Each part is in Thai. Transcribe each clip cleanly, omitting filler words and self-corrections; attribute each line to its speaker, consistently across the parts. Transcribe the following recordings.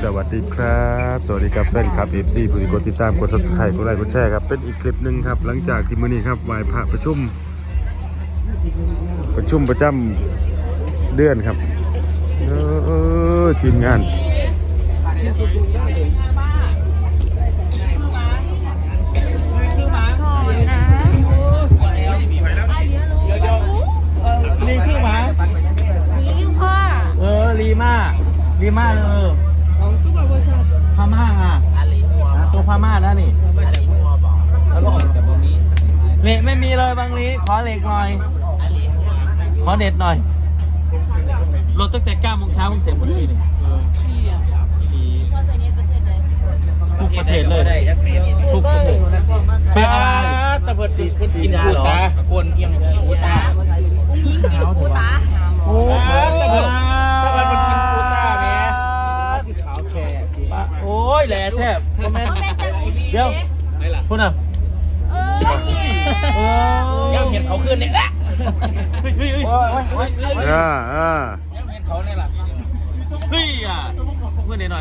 Speaker 1: วัสดีครับสวัสดีครับแฟนคลับ FC ผู้ที่กดติดตามกด Subscribe กดไลค์กดแชร์ครับเป็นอีกคลิปหนึ่งครับหลังจากที่มื้อนี้ครับไหว้พระประชุมประจำเดือนครับทีมงาน
Speaker 2: ลีคือหมาลีมาเลยพม่าอ่ะตัวพม่าแล้วนี่แล้วก็ออกจากตรงนี้เหล็กไม่มีเลยบางลีขอเหล็กหน่อยขอเด็ดหน่อยรถตั้งแต่9 โมงเช้าเพิ่งเสร็จหมดที่นี่ทุกประเทศเลยทุกประเทศเป็นอะไรตะเพิดสีเพิ่งกินปูตาคนเอียงปูตา
Speaker 3: ยิงกินปูตา
Speaker 2: โอ้ตะเพิด
Speaker 4: มันกินปูตาแม่
Speaker 2: ขาวแฉะโอ้ยแหล่แทบเดี๋ยวพูดน่ะ
Speaker 4: ยังเห็นเขาขึ้นเนี่ยละ
Speaker 2: เห็น
Speaker 4: เขาเนี่ยล่ะ
Speaker 2: เฮ้ยอ่ะเมื่อหน่อย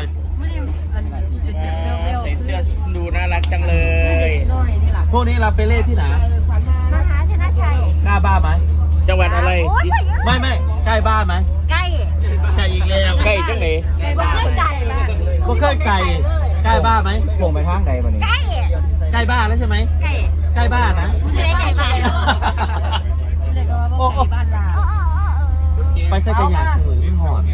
Speaker 4: ใส่เสื้อดูน่ารักจังเลย
Speaker 2: พวกนี้เราไปเล่ที่ไหน
Speaker 3: มหาชนะชัย
Speaker 2: กล้าบ้าไหม
Speaker 4: จังหวัดอะไร
Speaker 2: ไม่ใกล้บ้านไหม
Speaker 3: ใกล้
Speaker 2: อีกแล้ว
Speaker 4: ใกล้จังไหน
Speaker 3: บ่เคยไก่
Speaker 2: บ่เคยไก่ใกล้บ้านไหม
Speaker 4: ส่งไปทางใดบ้านี้
Speaker 3: ใกล้
Speaker 2: บ้านแล้วใช่ไหมใกล้บ้านนะ
Speaker 3: ใกล้บ้าน
Speaker 2: โอ้ไปใส่กระยาถือหอด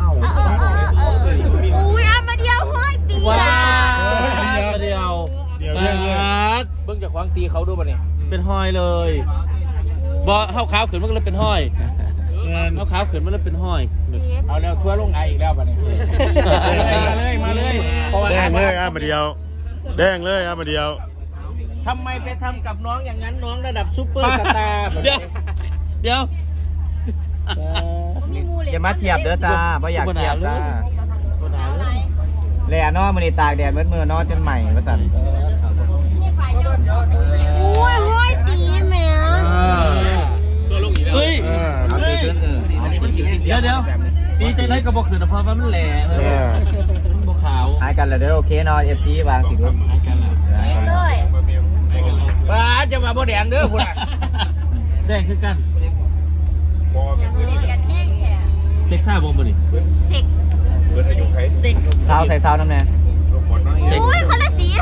Speaker 3: อุ้ยมาเดียวห้อยตี
Speaker 2: ว้าวเดียวเ
Speaker 4: บิ่งจากควางตีเขาดูป่ะนี่
Speaker 2: เป็นห้อยเลยบ่เข้าขาวขืนมันก็เลยเป็นห้อยเข้าขาวขืนมันเลยเป็นห้อย
Speaker 4: เอาแล้วทั่วลงไออีกแล้วป่ะนี่มาเลย
Speaker 1: แดงเลยมาเดียวแดงเลยมาเดียว
Speaker 4: ทำไมไปทำกับน้องอย่างนั้นน้องระดับซุปเปอร์สตาร์
Speaker 2: เดี๋ยว
Speaker 4: อย่ามาเทียบเด้อจ้าเพราะอยากเทียบจ้าแหล่นอมันนี่ตากแดดมือนอจนใหม่ประสัน
Speaker 3: อุ้ยห้อยตีแม่
Speaker 2: เฮ้ยเดี๋ยวตีใจไรก็บอกขืนเพราะว่ามันแหล่มันบอกขาว
Speaker 4: หายกันแล้วเด้อโอเคนอFCวางสิลูก
Speaker 2: หายกันแล้ว
Speaker 3: เลย
Speaker 4: ป้าจะมาบ่แดงเด้อพุ่น
Speaker 2: แดงคือกัน
Speaker 3: เล่นกันแห้งแค่
Speaker 2: เซ็กซ่าบอมบ่นี่
Speaker 3: เซ็ก
Speaker 4: ซาวใส่ซาวน้ำแน่
Speaker 3: อุ้ยคนละสี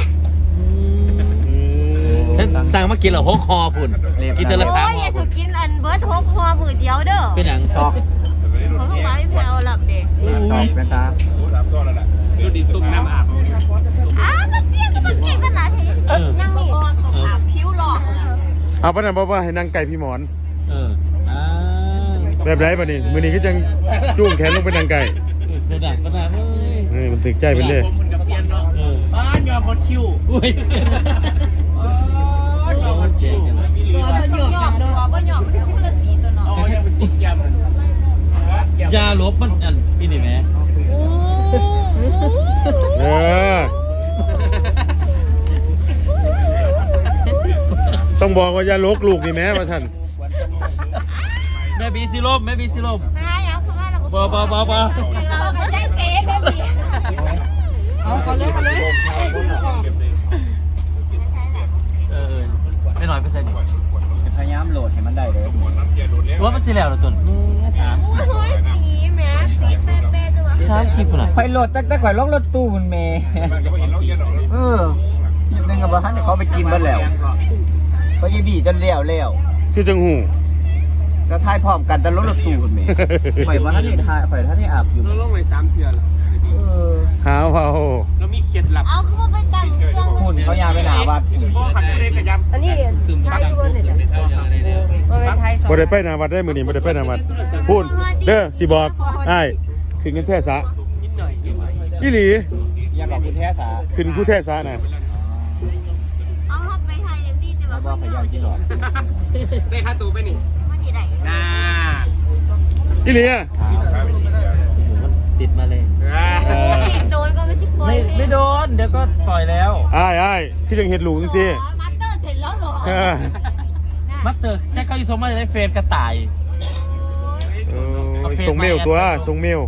Speaker 2: สั่งมากินเหรอฮกคอพุ่นกินเทละ3
Speaker 3: โอ้ยอย่าถูกกินอันเบิร์ดฮกคอมือเดียวเด้อ
Speaker 2: เป็นหยัง
Speaker 4: ซอก
Speaker 3: เขาบอกว่าไม่แพ้เอาหลับเด็ก
Speaker 4: ซอกเป็นจ้า
Speaker 1: ดูดิตุ้มน้ำอาบ
Speaker 3: มันเตี้ยก็มันเก่งขนาดนี้ยังนี่อาบผิวหลอก
Speaker 1: เอาปะนั่นบอกว่าให้นั่งไก่พี่หมอนแบบไรปะนี่มือนี้ก็ยังจุ้งแขนลงไปนั่งไก่
Speaker 2: กระดาษเฮ้ย
Speaker 1: มันตึกใจเป็นเลย
Speaker 4: บ้านยอมพดคิว
Speaker 3: ตัวบ่หยอกมันก็คนละสีตัวน้อง
Speaker 2: ยาลบมันอันอีนี่แม่
Speaker 1: ต้องบอกว่าอย่าลกลูกนี่แม่มาท่าน
Speaker 2: แม่บีซีลม
Speaker 3: ไม่เอาเพราะว่าเรา
Speaker 2: บ่
Speaker 3: เราไม่ได้เซ่แม่บีเอาเลย
Speaker 2: ไม่น้อย%
Speaker 4: พยายามโหลดให้มันได้เลย
Speaker 2: ว่ามันสิแล้วเหรอตุ่น
Speaker 3: โอ้ยตีแม่ตีเป๊ะจังวะ
Speaker 2: คลิปอะไร
Speaker 4: ค่อยโหลดแต่ค่อยล็อกรถตู้มันเมย์ยิบนึงกับท่านเขาไปกินบ้านแล้วเขายีบีจนเลี้ยว
Speaker 1: คือจังหู
Speaker 4: แล้วทายพร้อมกันแต่รถตู้คุณเมย์ข่อยว่าท่านนี่ทายข่อยท่านนี่อาบอยู่
Speaker 5: เราลงไป3 เทื่อแล้ว
Speaker 1: หาว
Speaker 5: เรามีเคล็ดลับ
Speaker 3: เอาคือไปจังเครื่อง
Speaker 4: หุ่นเขายาไปหนาวัด
Speaker 5: พ่อขันเรกกระยำ
Speaker 3: อันนี้ไทยบนเนี่ย
Speaker 1: บ่ได้ไปนาวัดได้มือนี้บ่ได้ไปนาวัดพูดเด้อสิบอกอ้ายขึ้นเงินแท้สะอีหลี
Speaker 4: อยากบอกคุณแท้สา
Speaker 1: ขึ้นผู้แท้สะน่ะ
Speaker 3: เอาเข้าไปไทยเลยพี่จะ
Speaker 4: บอกพยายามที่หลอด
Speaker 5: ได้ค่าตัวไปนี่
Speaker 3: มาที่ไหน
Speaker 5: น่า
Speaker 1: อีหลีอ่ะ
Speaker 2: มันติดมาเลย
Speaker 3: โดนก็ไม่ใช่ปล่อย
Speaker 2: ไม่โดนเดี๋ยวก็ปล่อยแล้ว
Speaker 1: อ้ายคือจังเห็ดหลูจังซี่
Speaker 3: มัตเตอร์เสร็จแล้วเหรอ
Speaker 2: มัตเตอร์แจ็คเขาอยู่สมมาจะได้เฟรมกระต่าย
Speaker 1: ส่งเมลตัวส่งเมล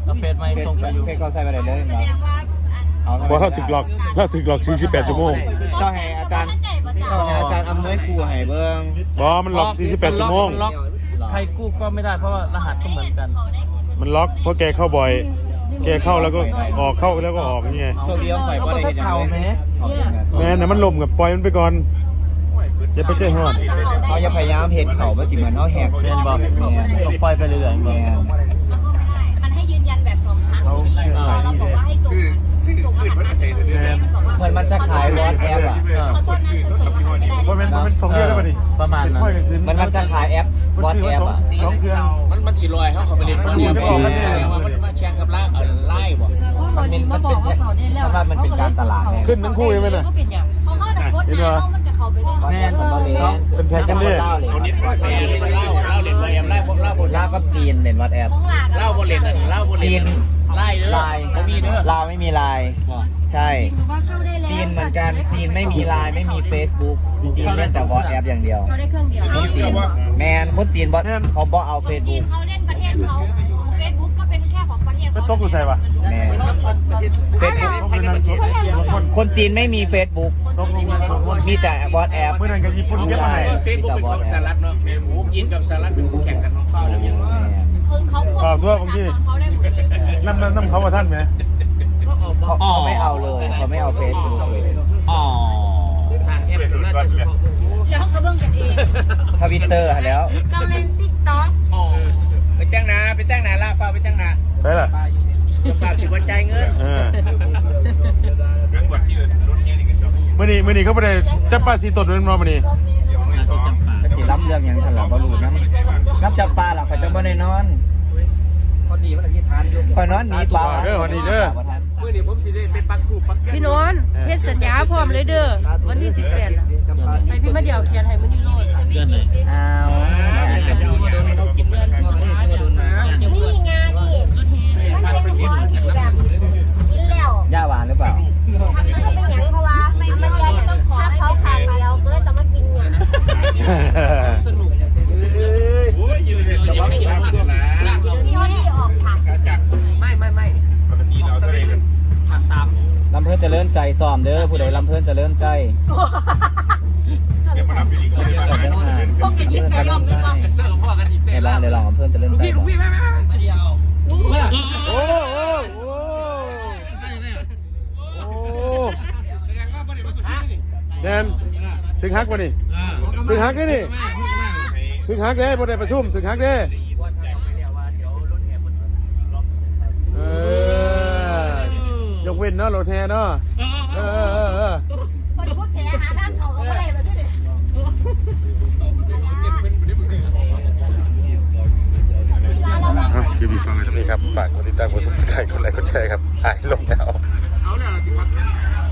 Speaker 2: เอาเฟซไม่ส่งไปอยู่
Speaker 4: เฟซก็ใส่ไปได้เลย
Speaker 3: แสดงว่า
Speaker 4: เอา
Speaker 1: บ่เฮาถึกหลอก48ชั่วโมง
Speaker 4: เจ้าให้อาจารย์อำนวยครูให้เบิ่ง
Speaker 1: บ่มันหลอก48ชั่วโมง
Speaker 2: นล็อกใครกู้ก็ไม่ได้เพราะว่ารหัสก็เหมือนกัน
Speaker 1: มันล็อกเพราะแกเข้าบ่อย แกเข้าแล้วก็ออกเข้าแล้วก็ออกนี่ไง
Speaker 4: โชคดีของข่อยบ่ได้เฮ็ดหยังเลย
Speaker 1: แม่น่ะมันล่มกับปล่อยมันไปก่อนอย่าไปใจฮ้อน
Speaker 4: เขาอย่าพยายามเฮ็ดเขาบ่สิเหมือนเฮาแหก
Speaker 2: เรียนบอกต้องปล่อยไปเรื่อยๆ
Speaker 4: แม่น
Speaker 3: มันให้ยืนยันแบบ2ชั้นเราบอกว่าให้ส่งรหัสมา
Speaker 4: เหมือนมันจะขาย WhatsApp อ่ะ
Speaker 3: ขอโทษนะฉันส่งรหัสไม่ได้
Speaker 1: บ่แม่น2เดือนแล้วบัดนี้
Speaker 2: ประมาณนั้น
Speaker 4: มันจะขายแอป WhatsApp อ่ะ
Speaker 1: 2เครื่อง
Speaker 5: มันสิลอยเขาไปเล่นคนเดียวมันมาแข่งกับไล่บ่
Speaker 4: มันเป็นสำหรับมันเป็นการตลาดไง
Speaker 1: ขึ้นทั้งคู่ใช่ไหมน่ะ
Speaker 3: เขาเข้าแต่กดนะเขามันกับเขาไปเล่น
Speaker 4: แม่นสัมภาระ
Speaker 1: เป็นแพ็คกันเด้
Speaker 5: คนนี้เล่นไล่พวกเล่าบน
Speaker 4: ลาวกับจีนเล่น WhatsApp
Speaker 3: ของหลาน
Speaker 5: เล่าบนเล่นเล่าบนเล่
Speaker 4: จี
Speaker 5: น
Speaker 4: น
Speaker 5: ไล่เด้อ
Speaker 4: ไลน์ลาวไม่มีไลน์ใช่
Speaker 3: ว่าเข้าได้แล้ว
Speaker 4: จีนเหมือนกันจีนไม่มีไลน์ไม่มี Facebook จีนเล่นแต่ WhatsApp อย่างเดียว
Speaker 3: เขาได้เครื่องเดียว
Speaker 4: คนจีนแมนคนจีนเขาบ่เอา
Speaker 3: จีน
Speaker 4: Facebook
Speaker 3: เขาเล่นประเทศเขาเฟซบุ๊กก็เป็นแค่ของประเทศ
Speaker 1: ไป
Speaker 3: เขา
Speaker 1: ตกอยู่ใส่ปะ
Speaker 4: แมน Facebook
Speaker 1: ตกอยู่นั่นคน
Speaker 4: คนจีนไม่มี Facebook
Speaker 1: ตกลงกันคน
Speaker 4: มีแต่ WhatsApp
Speaker 1: เมื่อนั้นกับญี่ปุ่นเก็บมาให้
Speaker 5: เฟซบุ๊กเป็นของสหรัฐเนาะยินกับสหรัฐเป็นคู่แข่งกันของเขาแล้วยัง
Speaker 3: คือเขาควบคุมเขาได้หมดเลย
Speaker 1: น้ำเขาว่าท่านไหม
Speaker 4: เขาไม่เอาเลยเขาไม่เอา Facebook เลย
Speaker 5: อ๋อทางแอปน่าจะ
Speaker 3: แล้วเขาก็เบิ่งกันเอง
Speaker 4: Twitter แล้ว
Speaker 3: ก็เล่นติ๊กต็อก
Speaker 5: อ๋อไปจ้างนาล่าฟ้าไปจ้างนา
Speaker 1: ไปล่ะ
Speaker 5: จำปาสิว่าใจเงิน
Speaker 1: เมื่อนี้เขาไปได้จับปลาสีตดเป็นรอมื่อนี้
Speaker 4: ก็สิรับเรื่องหยังทันหลับ่รู้นะรับจับปลาหรอข่อยจะบ่ได้นอนพอดีมันอธิษฐานอยู่ข่อยนอนหนีปลา
Speaker 1: เด้อวันนี้เด้อ
Speaker 5: เมื่อนี้ผมสิได้เป็นปักคู่ปักแก้
Speaker 6: พี่นนท์เฮ็ดสัญญาพร้อมเลยเด้อวันที่18น่ะไปพี่มาเดี่ยวเขียนให้มื้อนี้โลด
Speaker 2: เดือนไหน
Speaker 4: อ้าว
Speaker 3: นี่ไงนี่มันเป็นของที่แบบกินแล้ว
Speaker 4: ย่าหวานหรือเปล่า
Speaker 3: ทำแล้วก็เป็นอย่างเพราะว่าไม่มีอะไรต้องขอให้เขาขาดไปแล้วก็เลยจะมากินเนี่ย
Speaker 5: สนุกแต่ว่าไม่กินอะไรด้วย
Speaker 3: พี่เขาที่ออกฉาก
Speaker 5: ไม่ปกติเราจะได้ฉาก3
Speaker 4: ลำเพิ่นเจะเลื่อนใจซ้อมเด้อผู้ใดลำเพิ่นเจะเลื่อนใจ
Speaker 3: พวกกินยิ่งแกยอมด้วยป่ะ
Speaker 5: เลิกพ่อกันอีก
Speaker 4: เดี๋ยวลองลำเพิ่นเจะเลื่อนใจ
Speaker 5: พี่ไม่มาเดียว
Speaker 1: โอ้แดนถึงฮักวะนี่ถึงฮักได้นี่ถึงฮักได้บนได้ประชุมถึงฮักได้ยกเว้นเนาะรถแห่เนาะ
Speaker 3: คนพวกแขหาด้านเขาเขาอะไรมาด้วย
Speaker 1: คลิปนี้ฟังกันสักนิดครับฝากกดติดตามกด subscribe กดไลค์กดแชร์ครับหายลงแล้ว
Speaker 5: เอาเนี่ย